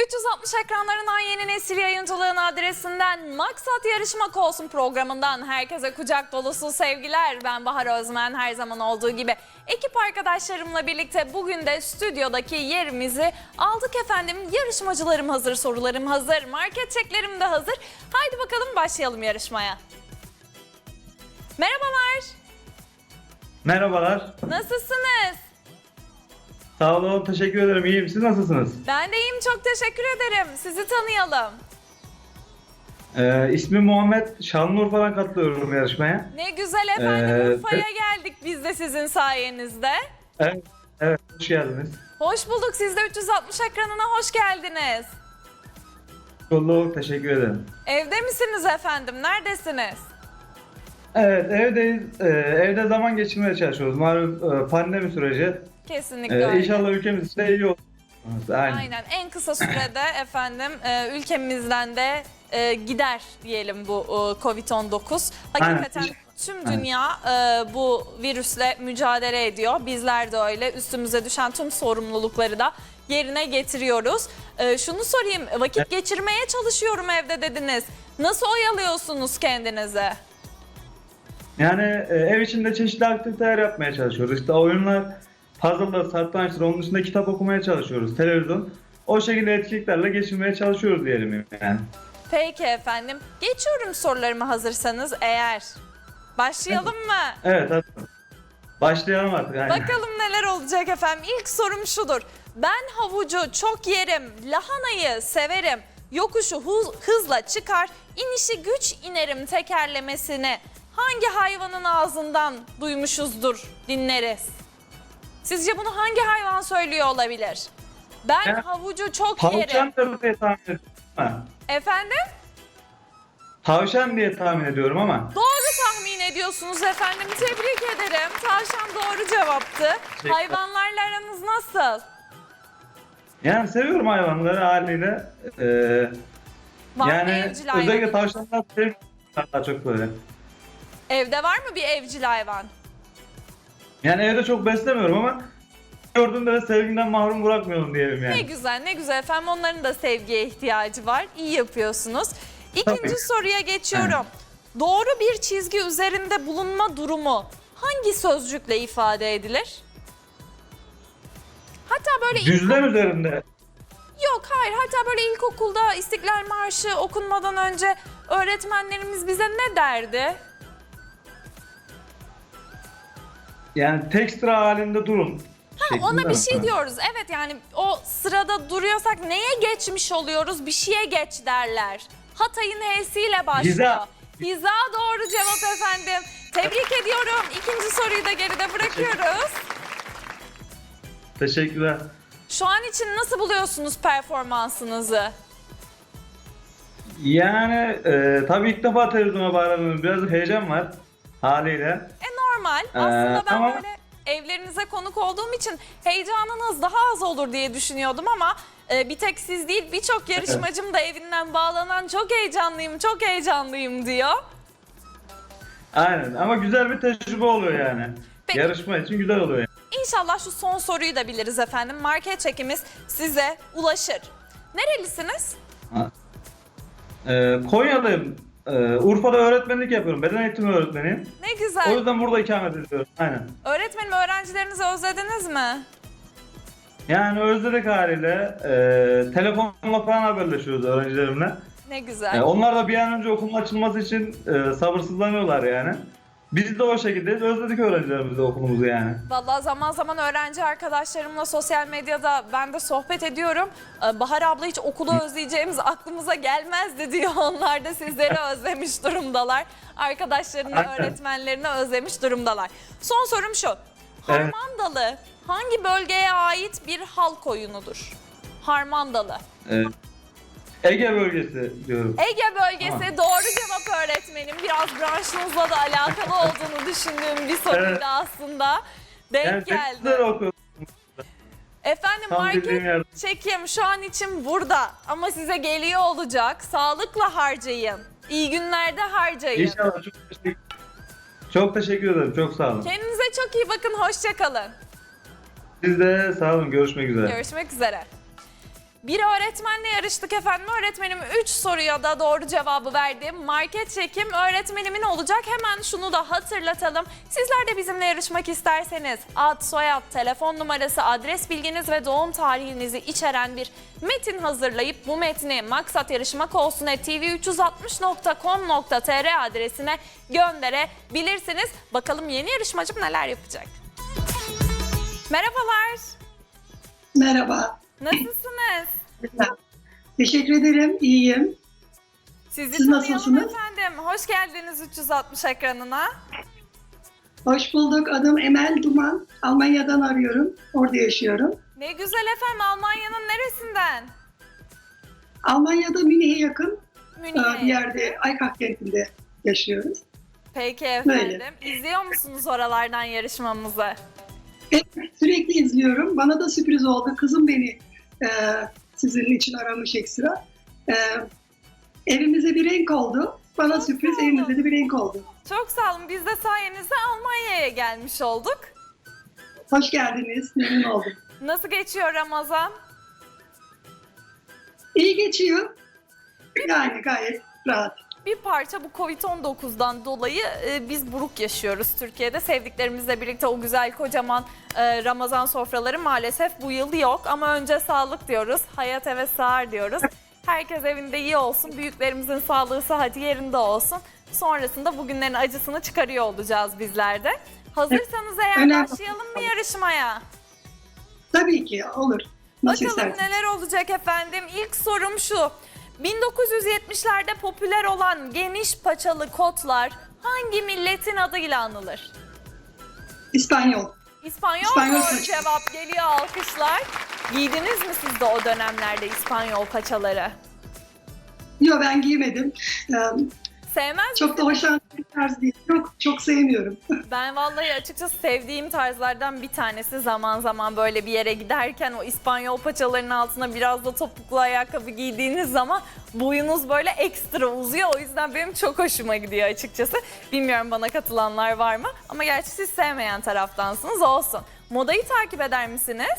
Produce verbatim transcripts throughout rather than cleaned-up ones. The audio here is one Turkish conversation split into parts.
üç yüz altmış ekranlarından Yeni Nesil Yayıncılığın adresinden Maksat Yarışmak Olsun programından herkese kucak dolusu sevgiler. Ben Bahar Özmen, her zaman olduğu gibi ekip arkadaşlarımla birlikte bugün de stüdyodaki yerimizi aldık efendim. Yarışmacılarım hazır, sorularım hazır, market çeklerim de hazır. Haydi bakalım başlayalım yarışmaya. Merhabalar. Merhabalar. Nasılsınız? Sağ olun, teşekkür ederim. İyiyim. Siz nasılsınız? Ben de iyiyim, çok teşekkür ederim. Sizi tanıyalım. Ee, ismim Muhammed. Şanlıurfa'dan katılıyorum yarışmaya. Ne güzel efendim, Ee, Urfa'ya geldik biz de sizin sayenizde. Evet, evet, hoş geldiniz. Hoş bulduk, siz de üç yüz altmış ekranına hoş geldiniz. Bulduk, teşekkür ederim. Evde misiniz efendim, neredesiniz? Evet, evdeyiz. Ee, evde zaman geçirmeye çalışıyoruz. Malum e, pandemi süreci. Kesinlikle Ee, öyle. İnşallah ülkemiz için de iyi olur. Aynen. Aynen, en kısa sürede efendim e, ülkemizden de e, gider diyelim bu e, kovid on dokuz. Hakikaten Aynen. tüm Aynen. dünya e, bu virüsle mücadele ediyor. Bizler de öyle, üstümüze düşen tüm sorumlulukları da yerine getiriyoruz. E, şunu sorayım, vakit geçirmeye çalışıyorum evde dediniz. Nasıl oyalıyorsunuz kendinizi? Yani e, ev içinde çeşitli aktiviteler yapmaya çalışıyoruz. İşte oyunlar, puzzle'lar, satrançlar, onun dışında kitap okumaya çalışıyoruz. Televizyon. O şekilde etkinliklerle geçirmeye çalışıyoruz diyelim yani. Peki efendim, geçiyorum sorularımı hazırsanız eğer. Başlayalım mı? Evet, hadi. Başlayalım artık. Aynen. Bakalım neler olacak efendim. İlk sorum şudur. Ben havucu çok yerim, lahanayı severim. Yokuşu huz- hızla çıkar, inişi güç inerim tekerlemesini hangi hayvanın ağzından duymuşuzdur, dinleriz? Sizce bunu hangi hayvan söylüyor olabilir? Ben Ya, havucu çok yerim. Tavşandır diye tahmin ediyorum ama. Efendim? Tavşan diye tahmin ediyorum ama. Doğru tahmin ediyorsunuz efendim. Tebrik ederim. Tavşan doğru cevaptı. Teşekkür. Hayvanlarla aranız nasıl? Yani seviyorum hayvanları haliyle. Ee, Var mı yani evcil hayvan? özellikle tavşanlar seviyorum daha çok böyle. Evde var mı bir evcil hayvan? Yani evde çok beslemiyorum ama gördüğümde de sevgimden mahrum bırakmıyorum diyelim Ne yani. güzel, ne güzel efendim. Onların da sevgiye ihtiyacı var. İyi yapıyorsunuz. İkinci Tabii. soruya geçiyorum. Doğru bir çizgi üzerinde bulunma durumu hangi sözcükle ifade edilir? Hatta böyle ilk- Düzlem üzerinde. yok hayır hatta böyle ilkokulda İstiklal Marşı okunmadan önce öğretmenlerimiz bize ne derdi? Yani tek sıra halinde durun. Ha, ona şeklinde bir mi? şey Ha. diyoruz. Evet yani o sırada duruyorsak neye geçmiş oluyoruz? Bir şeye geç derler. Hatay'ın H'siyle başlıyor. Hiza. Hiza doğru cevap efendim. Tebrik ediyorum. İkinci soruyu da geride bırakıyoruz. Teşekkürler. Şu an için nasıl buluyorsunuz performansınızı? Yani e, tabii ilk defa televizyona bağlanıyorum. Biraz heyecan var haliyle. E normal. Aslında ben ama- böyle evlerinize konuk olduğum için heyecanınız daha az olur diye düşünüyordum ama e, bir tek siz değil birçok yarışmacım da evinden bağlanan çok heyecanlıyım, çok heyecanlıyım diyor. Aynen ama güzel bir tecrübe oluyor yani. Peki. Yarışma için güzel oluyor yani. İnşallah şu son soruyu da biliriz efendim. Market çekimiz size ulaşır. Nerelisiniz? Ee, Konyalıyım. Ee, Urfa'da öğretmenlik yapıyorum. Beden eğitimi öğretmeniyim. Ne O güzel. yüzden burada ikamet ediyorum. Aynen. Öğretmenim, öğrencilerinizi özlediniz mi? Yani özledik haliyle. Ee, telefonla falan haberleşiyoruz öğrencilerimle. Ne güzel. Ee, onlar da bir an önce okulun açılması için e, sabırsızlanıyorlar yani. Biz de o şekildeyiz. Özledik öğrencilerimizi de okulumuzu yani. Vallahi zaman zaman öğrenci arkadaşlarımla sosyal medyada ben de sohbet ediyorum. Ee, Bahar abla hiç okulu özleyeceğimiz aklımıza gelmezdi diyor. Onlar da sizleri özlemiş durumdalar. Arkadaşlarını, Aynen. öğretmenlerini özlemiş durumdalar. Son sorum şu. Evet. Harmandalı hangi bölgeye ait bir halk oyunudur? Harmandalı. Ee, Ege bölgesi diyorum. Ege bölgesi doğru cevap öğretmenim. Biraz branşınızla da alakalı olduğunu düşündüğüm bir soruydu Evet. aslında. Denk Yani geldi. teknikler okuyorum. Efendim Tam bildiğim market yerde. çekim şu an için burada ama size geliyor olacak. Sağlıkla harcayın. İyi günlerde harcayın. İnşallah çok teşekkür, çok teşekkür ederim. Çok sağ olun. Kendinize çok iyi bakın. Hoşça kalın. Siz de sağ olun. Görüşmek üzere. Görüşmek üzere. Bir öğretmenle yarıştık efendim. Öğretmenim üç soruya da doğru cevabı verdi. Market çekim öğretmenimin olacak. Hemen şunu da hatırlatalım. Sizler de bizimle yarışmak isterseniz ad, soyad, telefon numarası, adres bilginiz ve doğum tarihinizi içeren bir metin hazırlayıp bu metni maksat yarışmak olsun at t v üç yüz altmış nokta com nokta t r adresine gönderebilirsiniz. Bakalım yeni yarışmacım neler yapacak? Merhabalar. Merhaba. Nasılsınız? Teşekkür ederim. İyiyim. Sizi Siz tanıyalım nasılsınız? efendim. Hoş geldiniz üç yüz altmış ekranına. Hoş bulduk. Adım Emel Duman. Almanya'dan arıyorum. Orada yaşıyorum. Ne güzel efendim. Almanya'nın neresinden? Almanya'da Münih'e yakın Münih'e. e, bir yerde Aykak kentinde yaşıyoruz. Peki efendim. Böyle. İzliyor musunuz oralardan yarışmamızı? Evet, sürekli izliyorum. Bana da sürpriz oldu. Kızım beni e, sizin için aramış ekstra. E, evimize bir renk oldu. Bana Çok sürpriz, sağ olun. evimize de bir renk oldu. Çok sağ olun. Biz de sayenizde Almanya'ya gelmiş olduk. Hoş geldiniz. Memnun oldum. Nasıl geçiyor Ramazan? İyi geçiyor. Yani gayet rahat. Bir parça bu covid on dokuzdan dolayı e, biz buruk yaşıyoruz Türkiye'de. Sevdiklerimizle birlikte o güzel kocaman e, Ramazan sofraları maalesef bu yıl yok. Ama önce sağlık diyoruz, hayat eve sığar diyoruz. Herkes evinde iyi olsun, büyüklerimizin sağlığı sıhhati yerinde olsun. Sonrasında bugünlerin acısını çıkarıyor olacağız bizler de. Hazırsanız eğer Önemli. başlayalım mı yarışmaya? Tabii ki olur. Nasıl Bakalım isterseniz. neler olacak efendim. İlk sorum şu. bin dokuz yüz yetmişlerde popüler olan geniş paçalı kotlar hangi milletin adıyla anılır? İspanyol. İspanyol, İspanyol doğru paça. cevap geliyor, alkışlar. Giydiniz mi siz de o dönemlerde İspanyol paçaları? Yok, ben giymedim. Ee, Sevmez Çok da misiniz? hoşlandığım bir tarz değil. Çok, çok sevmiyorum. Ben vallahi açıkçası sevdiğim tarzlardan bir tanesi, zaman zaman böyle bir yere giderken o İspanyol paçalarının altına biraz da topuklu ayakkabı giydiğiniz zaman boyunuz böyle ekstra uzuyor. O yüzden benim çok hoşuma gidiyor açıkçası. Bilmiyorum bana katılanlar var mı? Ama gerçi siz sevmeyen taraftansınız, olsun. Modayı takip eder misiniz?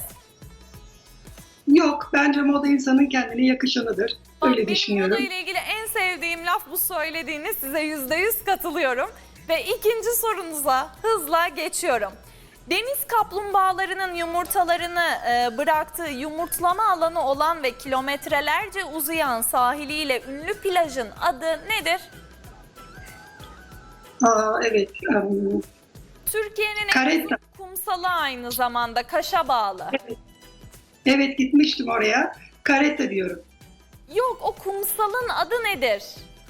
Yok, bence moda insanın kendine yakışanıdır. Bak, Öyle benim düşünüyorum. moda ile ilgili en sevdiğim laf bu söylediğiniz. Size yüzde yüz katılıyorum. Ve ikinci sorunuza hızla geçiyorum. Deniz kaplumbağalarının yumurtalarını e, bıraktığı yumurtlama alanı olan ve kilometrelerce uzayan sahiliyle ünlü plajın adı nedir? Aa, evet. um, Türkiye'nin en Karetta. uzun kumsalı, aynı zamanda Kaş'a bağlı. Evet, gitmiştim oraya. Karetta diyorum. Yok, o kumsalın adı nedir?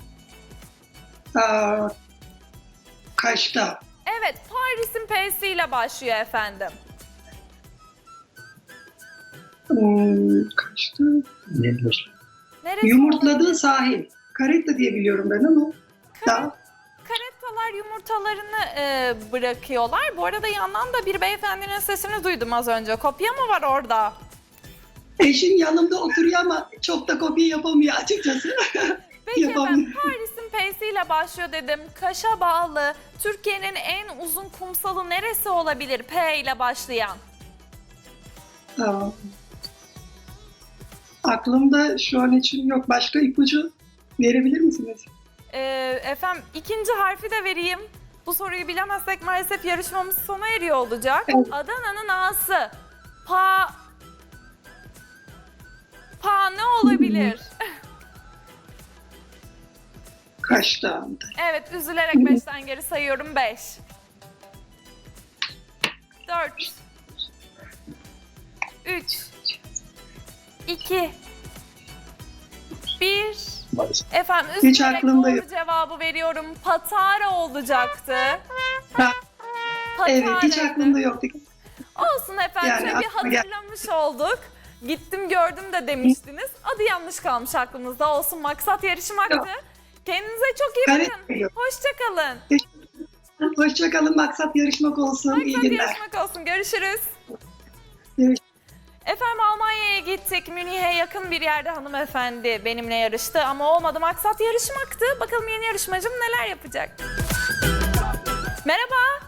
Aa, Kaş'ta. Evet, Paris'in P'siyle başlıyor efendim. Hmm, Kaş'ta. Nedir? Neresi Yumurtladığı olabilir? sahil. Karetta diye biliyorum ben ama. Daha. Karettalar yumurtalarını e, bırakıyorlar. Bu arada yandan da bir beyefendinin sesini duydum az önce. Kopya mı var orada? Eşim yanımda oturuyor ama çok da kopya yapamıyor açıkçası. Peki Yapamam. efendim, Paris'in P'siyle başlıyor dedim. Kaş'a bağlı. Türkiye'nin en uzun kumsalı neresi olabilir P ile başlayan? Aa, aklımda şu an için yok. Başka ipucu verebilir misiniz? E, efendim ikinci harfi de vereyim. Bu soruyu bilemezsek maalesef yarışmamız sona eriyor olacak. Evet. Adana'nın A'sı. Pa... Pa ne olabilir? Kaş'ta. Evet, üzülerek beşten geri sayıyorum. beş, dört, üç, iki, bir. Efendim Hiç üzülerek aklımda doğru yok. cevabı veriyorum. Patara olacaktı. Ha, evet, hiç Patara'ydı. aklımda yoktu. Olsun efendim, Yani şöyle bir aklıma gel- hatırlamış olduk. Gittim gördüm de demiştiniz. Adı yanlış kalmış aklımızda. Olsun, maksat yarışmaktı. Yok. Kendinize çok iyi Evet, bakın. yok. Hoşçakalın. Hoşçakalın. Maksat yarışmak olsun. İyi Maksat günler. yarışmak olsun. Görüşürüz. Görüşürüz. Efendim Almanya'ya gittik. Münih'e yakın bir yerde hanımefendi benimle yarıştı ama olmadı. Maksat yarışmaktı. Bakalım yeni yarışmacım neler yapacak? Merhaba.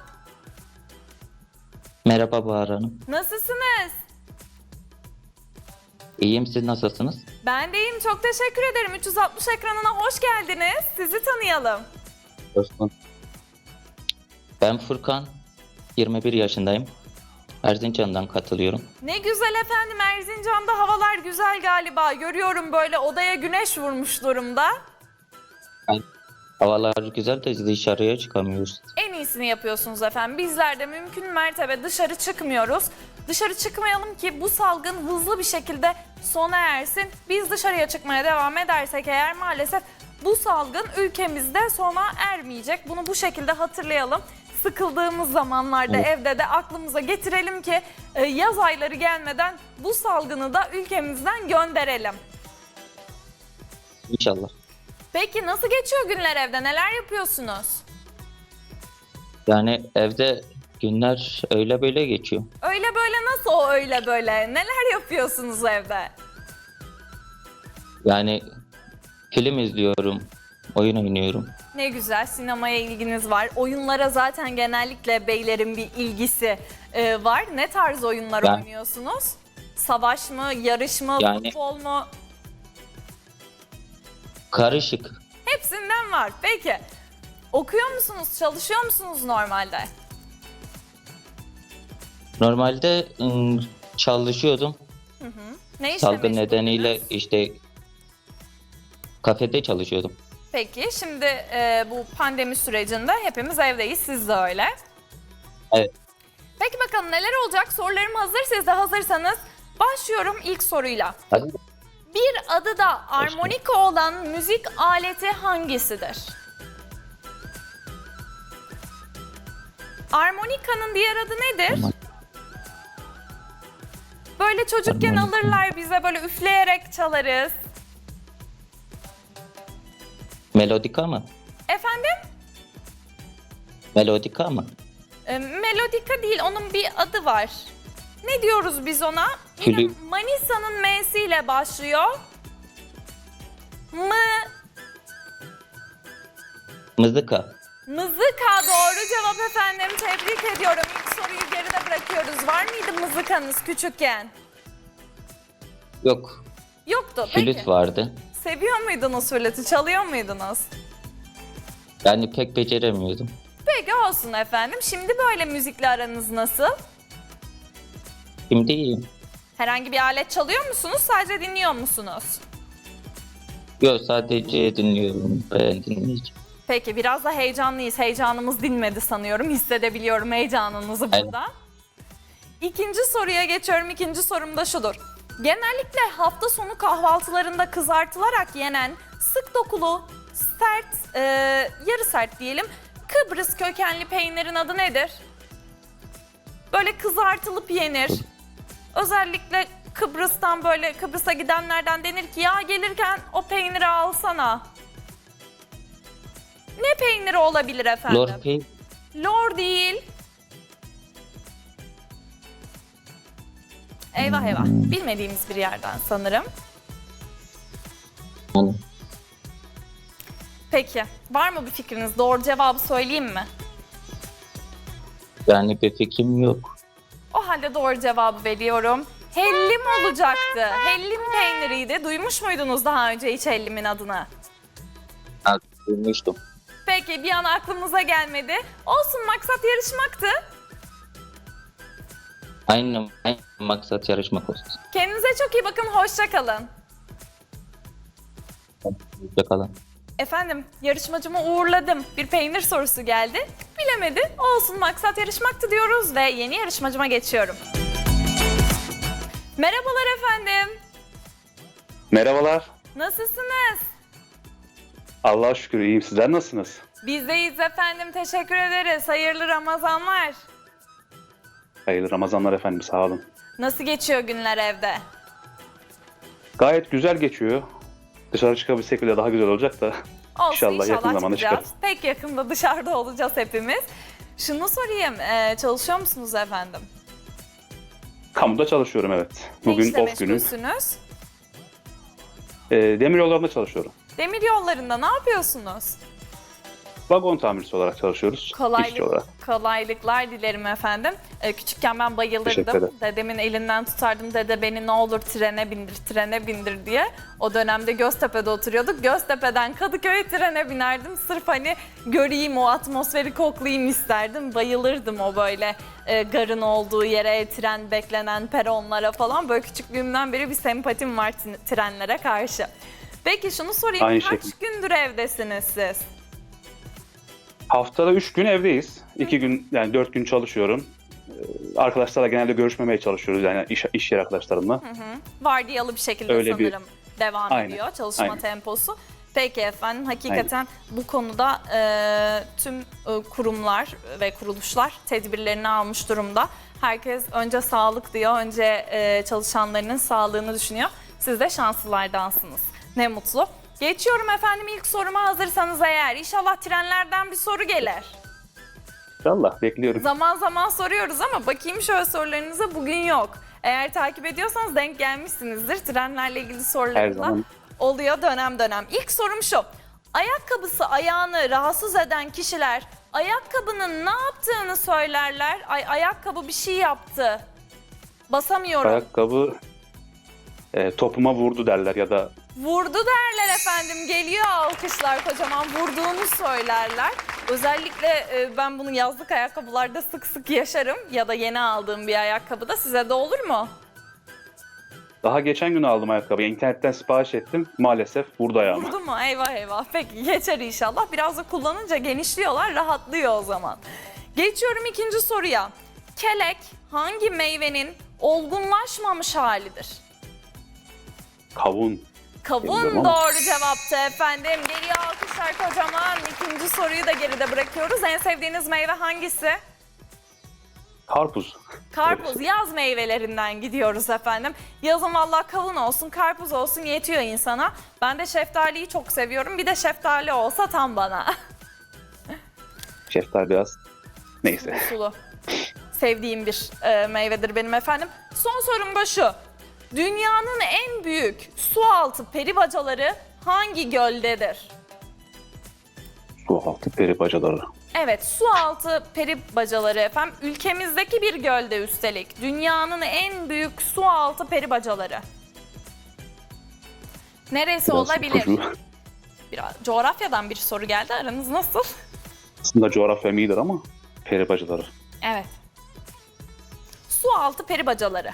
Merhaba Bahar Hanım. Nasılsınız? İyiyim, siz nasılsınız? Ben de iyiyim, çok teşekkür ederim. üç yüz altmış ekranına hoş geldiniz. Sizi tanıyalım. Hoş bulduk. Ben Furkan, yirmi bir yaşındayım. Erzincan'dan katılıyorum. Ne güzel efendim, Erzincan'da havalar güzel galiba. Görüyorum böyle odaya güneş vurmuş durumda. Havalar güzel de dışarıya çıkamıyoruz. En iyisini yapıyorsunuz efendim. Bizler de mümkün mertebe dışarı çıkmıyoruz. Dışarı çıkmayalım ki bu salgın hızlı bir şekilde sona ersin. Biz dışarıya çıkmaya devam edersek eğer maalesef bu salgın ülkemizde sona ermeyecek. Bunu bu şekilde hatırlayalım. Sıkıldığımız zamanlarda Evet. evde de aklımıza getirelim ki e, yaz ayları gelmeden bu salgını da ülkemizden gönderelim. İnşallah. Peki nasıl geçiyor günler evde? Neler yapıyorsunuz? Yani evde günler öyle böyle geçiyor. Öyle böyle nasıl o öyle böyle? Neler yapıyorsunuz evde? Yani film izliyorum, oyun oynuyorum. Ne güzel, sinemaya ilginiz var. Oyunlara zaten genellikle beylerin bir ilgisi e, var. Ne tarz oyunlar Ben- oynuyorsunuz? Savaş mı, yarış mı, Yani- futbol mu? Karışık. Hepsinden var. Peki. Okuyor musunuz, çalışıyor musunuz normalde? Normalde ım, çalışıyordum. Ne işle Salgın meşguldünüz? nedeniyle işte kafede çalışıyordum. Peki, şimdi e, bu pandemi sürecinde hepimiz evdeyiz, siz de öyle. Evet. Peki bakalım neler olacak? Sorularım hazır, siz de hazırsanız başlıyorum ilk soruyla. Hadi. Bir adı da armonika olan müzik aleti hangisidir? Armonikanın diğer adı nedir? Tamam. Böyle çocukken Armonika. alırlar bize, böyle üfleyerek çalarız. Melodika mı? Efendim? Melodika mı? E, melodika değil, onun bir adı var. Ne diyoruz biz ona? Yine Flü- Manisa'nın M'siyle başlıyor. Mı, Mızıka. mızıka doğru cevap efendim. Tebrik ediyorum. İlk soruyu geride bırakıyoruz. Var mıydı mızıkanız küçükken? Yok. Yoktu. Peki. Flüt vardı. Seviyor muydunuz flütü? Çalıyor muydunuz? Yani pek beceremiyordum. Peki olsun efendim. Şimdi böyle müzikle aranız nasıl? Şimdi iyiyim. Herhangi bir alet çalıyor musunuz? Sadece dinliyor musunuz? Yok, sadece dinliyorum. Ben dinleyeceğim. Peki biraz da heyecanlıyız. Heyecanımız dinmedi sanıyorum. Hissedebiliyorum heyecanınızı Aynen. burada. İkinci soruya geçiyorum. İkinci sorum da şudur. Genellikle hafta sonu kahvaltılarında kızartılarak yenen sık dokulu, sert, e, yarı sert diyelim, Kıbrıs kökenli peynirin adı nedir? Böyle kızartılıp yenir. Özellikle Kıbrıs'tan, böyle Kıbrıs'a gidenlerden denir ki ya gelirken o peyniri alsana. Ne peyniri olabilir efendim? Lor Pey, Lor değil. Eyvah eyvah. Bilmediğimiz bir yerden sanırım. yani Peki. Var mı bir fikriniz? Doğru cevabı söyleyeyim mi? yani bir fikrim yok. O halde doğru cevabı veriyorum. Hellim olacaktı. Hellim peyniriydi. Duymuş muydunuz daha önce hiç hellimin adını? Ha, duymuştum. Peki bir an aklımıza gelmedi. Olsun, maksat yarışmaktı. Aynı, aynı maksat yarışmak olsun. Kendinize çok iyi bakın. Hoşça kalın. Hoşçakalın. Efendim, yarışmacımı uğurladım. Bir peynir sorusu geldi. Bilemedi. Olsun, maksat yarışmaktı diyoruz ve yeni yarışmacıma geçiyorum. Merhabalar efendim. Merhabalar. Nasılsınız? Allah'a şükür iyiyim. Sizler nasılsınız? Bizdeyiz efendim. Teşekkür ederiz. Hayırlı Ramazanlar. Hayırlı Ramazanlar efendim, sağ olun. Nasıl geçiyor günler evde? Gayet güzel geçiyor. Dışarı çıkabilsek bile daha güzel olacak da. Olsun, İnşallah inşallah yakın zamanda çıkacağız. çıkarız. Pek yakında dışarıda olacağız hepimiz. Şunu sorayım, e, çalışıyor musunuz efendim? Kamuda çalışıyorum, evet. Ne Bugün işle off günüm. meşgulsünüz? Ee, demir yollarında çalışıyorum. Demir yollarında ne yapıyorsunuz? Vagon tamircisi olarak çalışıyoruz. işçi Kolaylık, olarak. kolaylıklar dilerim efendim. Ee, küçükken ben Teşekkür bayılırdım. ederim. Dedemin elinden tutardım. Dede beni ne olur trene bindir, trene bindir diye. O dönemde Göztepe'de oturuyorduk. Göztepe'den Kadıköy'e trene binerdim. Sırf hani göreyim, o atmosferi koklayayım isterdim. Bayılırdım o böyle e, garın olduğu yere, tren beklenen peronlara falan. Böyle küçüklüğümden beri bir sempatim var t- trenlere karşı. Peki şunu sorayım. Aynı Kaç şekilde. gündür evdesiniz siz? Haftada üç gün evdeyiz. iki gün yani dört gün çalışıyorum. Ee, Arkadaşlarla genelde görüşmemeye çalışıyoruz yani iş, iş yeri arkadaşlarımla. Vardiyalı bir şekilde Öyle bir- sanırım devam Aynen, ediyor çalışma aynen. temposu. Peki efendim, hakikaten bu konuda e, tüm e, kurumlar ve kuruluşlar tedbirlerini almış durumda. Herkes önce sağlık diyor, önce e, çalışanlarının sağlığını düşünüyor. Siz de şanslılardansınız. Ne mutlu. Geçiyorum efendim ilk soruma, hazırsanız eğer. İnşallah trenlerden bir soru gelir. İnşallah bekliyorum. Zaman zaman soruyoruz ama bakayım şöyle sorularınıza, bugün yok. Eğer takip ediyorsanız denk gelmişsinizdir. Trenlerle ilgili Her sorularınız da zaman. oluyor dönem dönem. İlk sorum şu. Ayakkabısı ayağını rahatsız eden kişiler ayakkabının ne yaptığını söylerler. Ay ayakkabı bir şey yaptı. Basamıyorum. Ayakkabı e, topuma vurdu derler ya da Vurdu derler efendim. Geliyor alkışlar, kocaman vurduğunu söylerler. Özellikle e, ben bunu yazlık ayakkabılarda sık sık yaşarım. Ya da yeni aldığım bir ayakkabıda. Size de olur mu? daha geçen gün aldım ayakkabıyı. İnternetten sipariş ettim. Maalesef vurdu ayağıma. Vurdu mu? Eyvah eyvah. Peki geçer inşallah. Biraz da kullanınca genişliyorlar, rahatlıyor o zaman. Geçiyorum ikinci soruya. Kelek hangi meyvenin olgunlaşmamış halidir? Kavun. Kavun Bilmiyorum ama. doğru cevaptı efendim. Geliyor alkışlar kocaman. İkinci soruyu da geride bırakıyoruz. En sevdiğiniz meyve hangisi? Karpuz. Karpuz, yaz meyvelerinden gidiyoruz efendim. Yazın vallahi kavun olsun, karpuz olsun yetiyor insana. Ben de şeftaliyi çok seviyorum. Bir de şeftali olsa tam bana. Şeftali biraz. Neyse. Sulu. Sevdiğim bir e, meyvedir benim efendim. Son sorum da şu. Dünyanın en büyük sualtı peribacaları hangi göldedir? Su altı peri bacaları. Evet, sualtı peribacaları efendim. Ülkemizdeki bir gölde üstelik. Dünyanın en büyük sualtı peribacaları. Neresi Biraz olabilir? ipucu. Biraz coğrafyadan bir soru geldi. Aranız nasıl? Aslında coğrafyam iyidir ama peri bacaları. Evet. Sualtı peribacaları.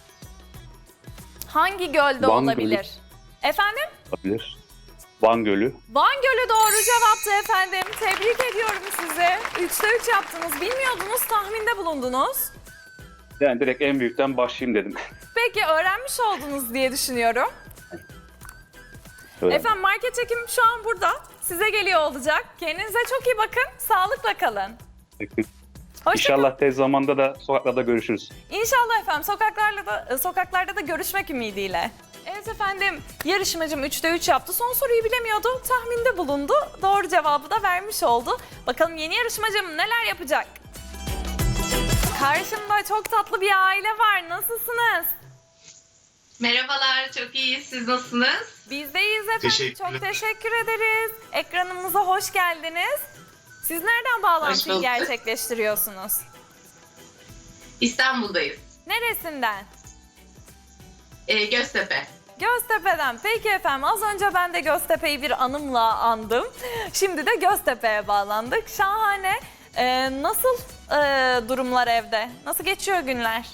Hangi gölde Van olabilir? Gölü. Efendim? Olabilir. Van Gölü. Van Gölü doğru cevaptı efendim. Tebrik ediyorum sizi. Üçte üç yaptınız. Bilmiyordunuz, tahminde bulundunuz. Yani direkt en büyükten başlayayım dedim. Peki öğrenmiş oldunuz diye düşünüyorum. Öyle. Efendim market çekim şu an burada. Size geliyor olacak. Kendinize çok iyi bakın. Sağlıkla kalın. Hoşça İnşallah tez zamanda da sokaklarda görüşürüz. İnşallah efendim sokaklarda da, sokaklarda da görüşmek ümidiyle. Evet efendim, yarışmacım üçte üç yaptı. Son soruyu bilemiyordu, tahminde bulundu. Doğru cevabı da vermiş oldu. Bakalım yeni yarışmacım neler yapacak? Karşımda çok tatlı bir aile var. Nasılsınız? Merhabalar, çok iyiyiz. Siz nasılsınız? Biz de iyiyiz efendim. Teşekkürler. Çok teşekkür ederiz. Ekranımıza hoş geldiniz. Siz nereden bağlantıyı bulduk. gerçekleştiriyorsunuz? İstanbul'dayız. Neresinden? Ee, Göztepe. Göztepe'den. Peki efendim, az önce ben de Göztepe'yi bir anımla andım. Şimdi de Göztepe'ye bağlandık. Şahane. Ee, nasıl e, durumlar evde? Nasıl geçiyor günler?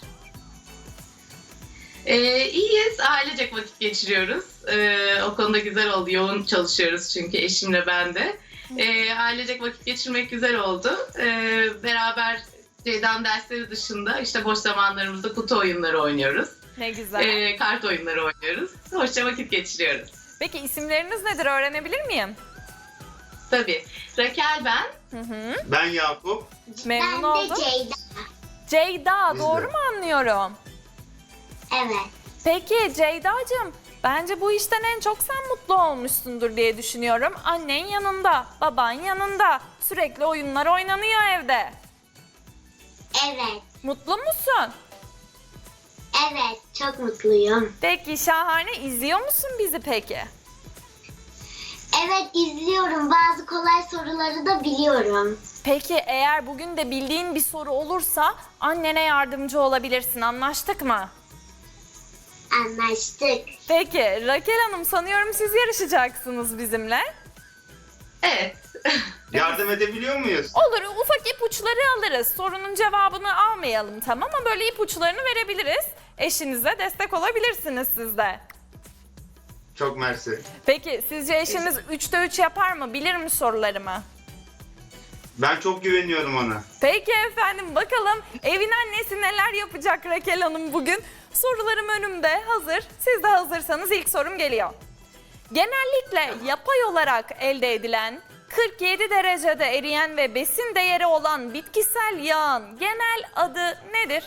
Ee, iyiyiz, ailecek vakit geçiriyoruz. Ee, o konuda güzel oldu. Yoğun çalışıyoruz çünkü eşimle ben de. Ee, ailecek vakit geçirmek güzel oldu. Ee, beraber Ceyda'nın dersleri dışında işte boş zamanlarımızda kutu oyunları oynuyoruz. Ne güzel. Ee, kart oyunları oynuyoruz. Hoşça vakit geçiriyoruz. Peki isimleriniz nedir, öğrenebilir miyim? Tabii. Rakel ben. Hı hı. Ben Yakup. Memnun Ben de oldum. Ceyda. Ceyda, Biz de. doğru mu anlıyorum? Evet. Peki Ceyda'cığım, bence bu işten en çok sen mutlu olmuşsundur diye düşünüyorum. Annen yanında, baban yanında. Sürekli oyunlar oynanıyor evde. Evet. Mutlu musun? Evet. Çok mutluyum. Peki şahane. İzliyor musun bizi peki? Evet izliyorum. Bazı kolay soruları da biliyorum. Peki eğer bugün de bildiğin bir soru olursa annene yardımcı olabilirsin. Anlaştık mı? Anlaştık. Peki Rakel Hanım, sanıyorum siz yarışacaksınız bizimle. Evet. Yardım edebiliyor muyuz? Olur, ufak ipuçları alırız. Sorunun cevabını almayalım, tamam, ama böyle ipuçlarını verebiliriz. Eşinize destek olabilirsiniz siz de. Çok mersi. Peki sizce eşiniz üçte üç yapar mı? Bilir mi sorularımı? Ben çok güveniyorum ona. Peki efendim, bakalım evin annesi neler yapacak Rakel Hanım bugün? Sorularım önümde hazır. Siz de hazırsanız ilk sorum geliyor. Genellikle yapay olarak elde edilen kırk yedi derecede eriyen ve besin değeri olan bitkisel yağın genel adı nedir?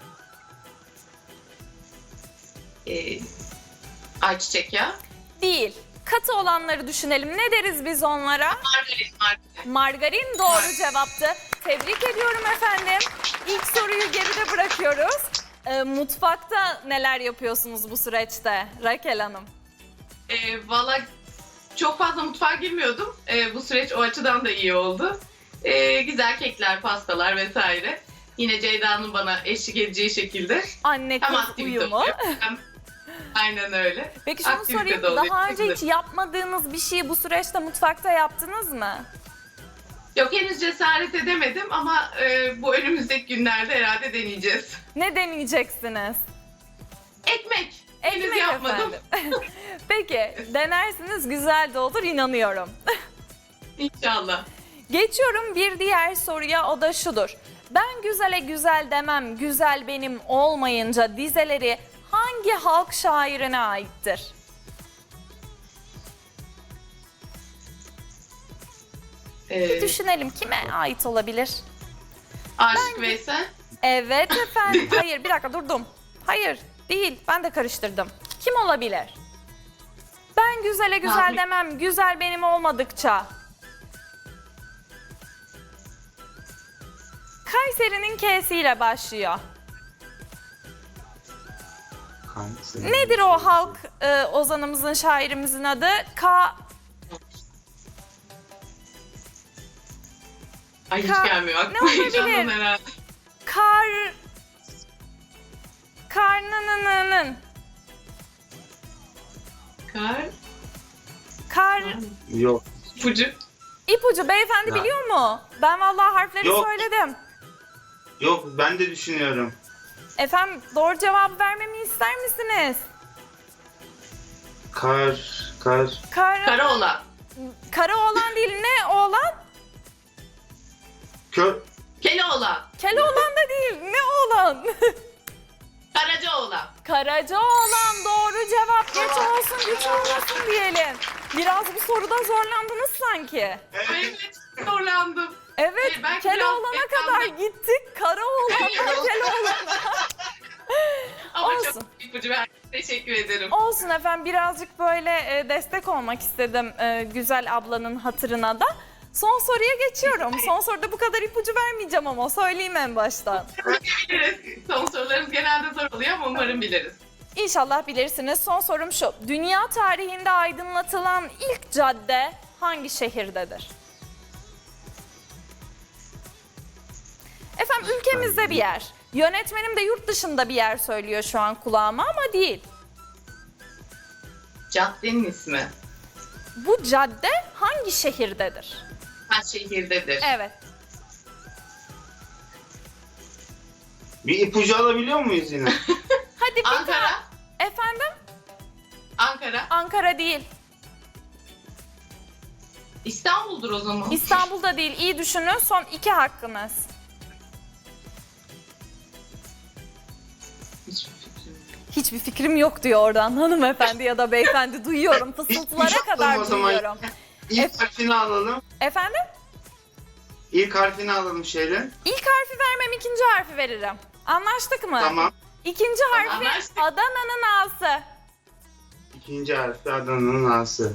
Ee, ayçiçek yağı. Değil. Katı olanları düşünelim. Ne deriz biz onlara? Margarin, margarin. Margarin doğru cevaptı. Tebrik ediyorum efendim. İlk soruyu geride bırakıyoruz. Ee, mutfakta neler yapıyorsunuz bu süreçte Rakel Hanım? Ee, Valla çok fazla mutfağa girmiyordum. Ee, bu süreç o açıdan da iyi oldu. Ee, güzel kekler, pastalar vesaire. Yine Ceyda'nın bana eşlik edeceği şekilde. Anne Hem kız aktivite uyumu. oluyor, hem aynen öyle. Peki şunu Aktivite sorayım. de oluyor. Daha önce hiç yapmadığınız bir şeyi bu süreçte mutfakta yaptınız mı? Yok, henüz cesaret edemedim ama e, bu önümüzdeki günlerde herhalde deneyeceğiz. Ne deneyeceksiniz? Ekmek. Henüz Ekmek yapmadım. efendim. Peki denersiniz, güzel de olur, inanıyorum. İnşallah. Geçiyorum bir diğer soruya, o da şudur. Ben güzele güzel demem, güzel benim olmayınca dizeleri hangi halk şairine aittir? Ee, Düşünelim, kime ait olabilir? Aşık Veysel. Evet efendim. Hayır, bir dakika durdum. Hayır, değil. Ben de karıştırdım. Kim olabilir? Ben güzele güzel Rahmi. demem, güzel benim olmadıkça. Kayseri'nin K'siyle başlıyor. Hangisi? Nedir o halk e, ozanımızın, şairimizin adı? Ka... Ay hiç Ka- gelmiyor Ne aklıma. olabilir? Heyecandan herhalde. Kar... Karnınının... Kar. Kar... Yok. Ipucu. İpucu beyefendi Ya. biliyor mu? Ben vallahi harfleri Yok. söyledim. Yok ben de düşünüyorum. Efendim doğru cevabı vermemi ister misiniz? Kar, kar. Kar... Karaoğlan. Kara oğlan değil, ne oğlan? Kör. Keloğlan. Keloğlan da değil, ne oğlan? Karacaoğlan. Karaca oğlan doğru cevap. Geç olsun güç olmasın diyelim. Biraz bu soruda zorlandınız sanki. Ay, Evet. evet zorlandım. Evet, Hayır, belki Keloğlan'a biraz kadar beklendim. gittik. Kara oğlandan Keloğlan'a. Ama Olsun. çok ipucu verdim. Teşekkür ederim. Olsun efendim, birazcık böyle e, destek olmak istedim e, güzel ablanın hatırına da. Son soruya geçiyorum. Son soruda bu kadar ipucu vermeyeceğim ama söyleyeyim en baştan. Biliriz. Son sorularımız genelde zor oluyor ama umarım biliriz. İnşallah bilirsiniz. Son sorum şu. Dünya tarihinde aydınlatılan ilk cadde hangi şehirdedir? Efendim ülkemizde bir yer. Yönetmenim de yurt dışında bir yer söylüyor şu an kulağıma ama değil. Caddenin ismi. Bu cadde hangi şehirdedir? Kaç şehirdedir? Evet. Bir ipucu alabiliyor muyuz yine? Hadi bir Ankara. daha. Efendim? Ankara. Ankara değil. İstanbul'dur o zaman. İstanbul'da değil. İyi düşünün. Son iki hakkınız. Hiçbir fikrim yok. Hiçbir fikrim yok diyor oradan hanımefendi ya da beyefendi. Duyuyorum. Fısıltılara Hiçbir şey kadar yok o zaman. duyuyorum. İlk harfini alalım. Efendim? İlk harfini alalım şeyle. İlk harfi vermem, ikinci harfi veririm. Anlaştık mı? Tamam. İkinci harfi Anlaştık. Adana'nın A'sı. İkinci harfi Adana'nın A'sı.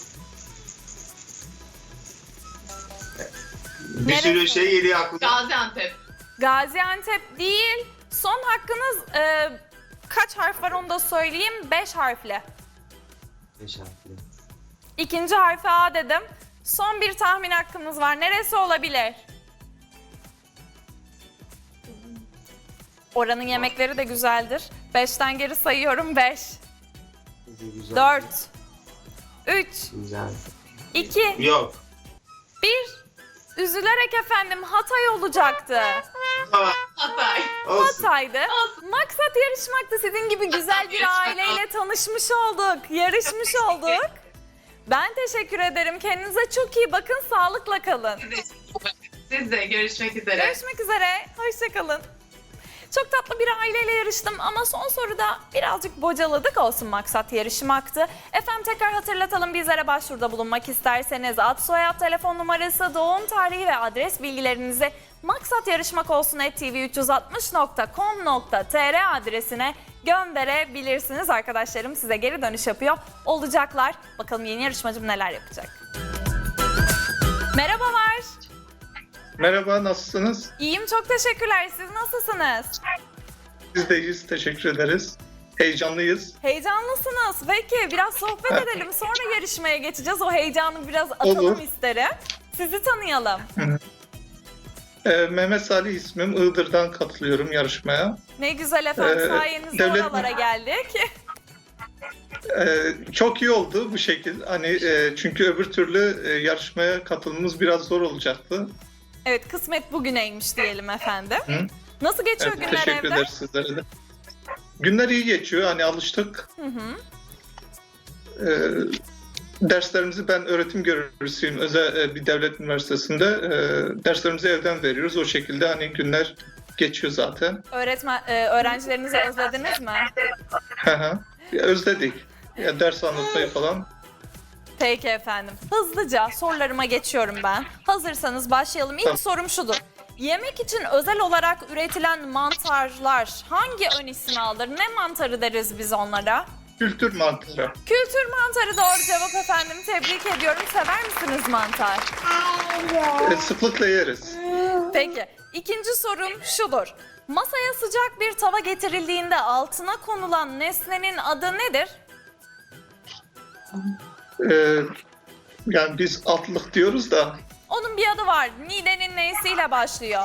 Bir Neresi? sürü şey geliyor aklıma. Gaziantep. Gaziantep değil. Son hakkınız e, kaç harf var onu da söyleyeyim. Beş harfli. Beş harfli. İkinci harfi A dedim. Son bir tahmin hakkımız var. Neresi olabilir? Oranın yemekleri de güzeldir. Beşten geri sayıyorum. Beş, dört, üç, Güzel. iki, Yok. bir. Üzülerek efendim Hatay olacaktı. Tamam. Hatay. Olsun. Hatay'dı. Maksat yarışmaktı. Sizin gibi güzel bir aileyle tanışmış olduk. Yarışmış olduk. Ben teşekkür ederim. Kendinize çok iyi bakın. Sağlıkla kalın. Siz de görüşmek üzere. Görüşmek üzere. Hoşçakalın. Çok tatlı bir aileyle yarıştım ama son soruda birazcık bocaladık, olsun, maksat yarışmaktı. Efendim tekrar hatırlatalım, bizlere başvuruda bulunmak isterseniz ad, soyad, telefon numarası, doğum tarihi ve adres bilgilerinizi maksat yarışmak olsun at t v üç yüz altmış nokta com nokta t r adresine gönderebilirsiniz. Arkadaşlarım size geri dönüş yapıyor olacaklar. Bakalım yeni yarışmacım neler yapacak. Merhabalar. Merhaba, nasılsınız? İyiyim, çok teşekkürler. Siz nasılsınız? Biz de iyiyiz, teşekkür ederiz. Heyecanlıyız. Heyecanlısınız. Peki biraz sohbet edelim. Sonra yarışmaya geçeceğiz. O heyecanı biraz atalım Olur. isterim. Sizi tanıyalım. Ee, Mehmet Salih ismim, Iğdır'dan katılıyorum yarışmaya. Ne güzel efendim. Ee, Sayenizde devlet- oralara geldik. Ee, çok iyi oldu bu şekil. Hani e, çünkü öbür türlü e, yarışmaya katılmamız biraz zor olacaktı. Evet, kısmet bugüneymiş diyelim efendim. Hı. Nasıl geçiyor Evet, günler teşekkür evde? ederiz sizlere de. Günler iyi geçiyor, hani alıştık. Hı hı. Ee, derslerimizi, ben öğretim görevlisiyim özel e, bir devlet üniversitesinde. Ee, derslerimizi evden veriyoruz. O şekilde hani günler geçiyor zaten. Öğretmen, e, öğrencilerinizi özlediniz mi? Hı hı. Ya, özledik. Ya, ders anlatmayı falan. Peki efendim. Hızlıca sorularıma geçiyorum ben. Hazırsanız başlayalım. İlk Tamam. sorum şudur. Yemek için özel olarak üretilen mantarlar hangi ön ismi alır? Ne mantarı deriz biz onlara? Kültür mantarı. Kültür mantarı doğru cevap efendim. Tebrik ediyorum. Sever misiniz mantar? E, sıklıkla yeriz. Peki. İkinci sorum şudur. Masaya sıcak bir tava getirildiğinde altına konulan nesnenin adı nedir? E, yani biz atlık diyoruz da Onun bir adı var. Nidenin nesiyle başlıyor?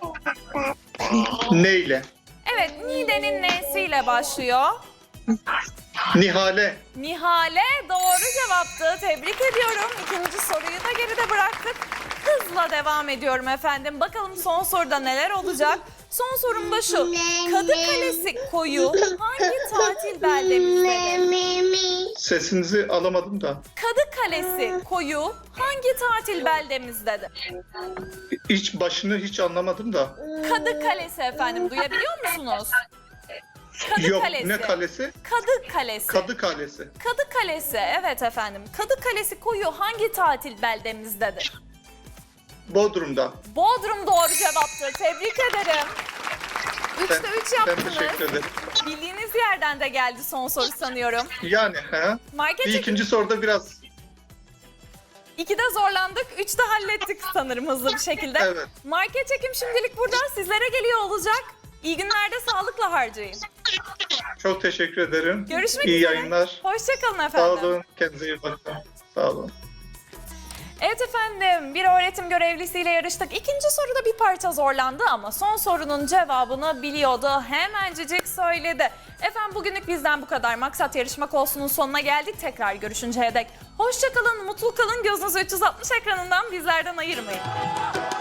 neyle? Evet, Nidenin nesiyle başlıyor. Nihale. Nihale doğru cevaptı. Tebrik ediyorum. İkinci soruyu da geride bıraktık. Hızla devam ediyorum efendim. Bakalım son soruda neler olacak? Son sorum da şu. Kadıkalesi koyu hangi tatil beldemizdedir? Sesinizi alamadım da. Kadıkalesi koyu hangi tatil beldemizdedir? İç başını hiç anlamadım da. Kadıkalesi efendim, duyabiliyor musunuz? Kadı Yok, Kalesi. ne kalesi? Kadı Kalesi. Kadı Kalesi. Kadı Kalesi, evet efendim. Kadı Kalesi koyu hangi tatil beldemizdedir? Bodrum'da. Bodrum doğru cevaptır. Tebrik ederim. Üçte Ben- üç Ben yaptınız. teşekkür ederim. Bildiğiniz yerden de geldi son soru sanıyorum. Yani he. Market Bir çekim ikinci soruda biraz ikide zorlandık, üçte hallettik sanırım hızlı bir şekilde. evet. Market çekim şimdilik burada sizlere geliyor olacak. İyi günlerde sağlıkla harcayın. Çok teşekkür ederim. Görüşmek İyi üzere. yayınlar. Hoşçakalın Sağ efendim. olun. Kendinize iyi bakın. Sağ olun. Evet efendim, bir öğretim görevlisiyle yarıştık. İkinci soruda bir parça zorlandı ama son sorunun cevabını biliyordu. Hemencecik söyledi. Efendim bugünlük bizden bu kadar. Maksat Yarışmak Olsun'un sonuna geldik. Tekrar görüşünceye dek. Hoşça kalın, mutlu kalın. Gözünüzü üç yüz altmış ekranından bizlerden ayırmayın.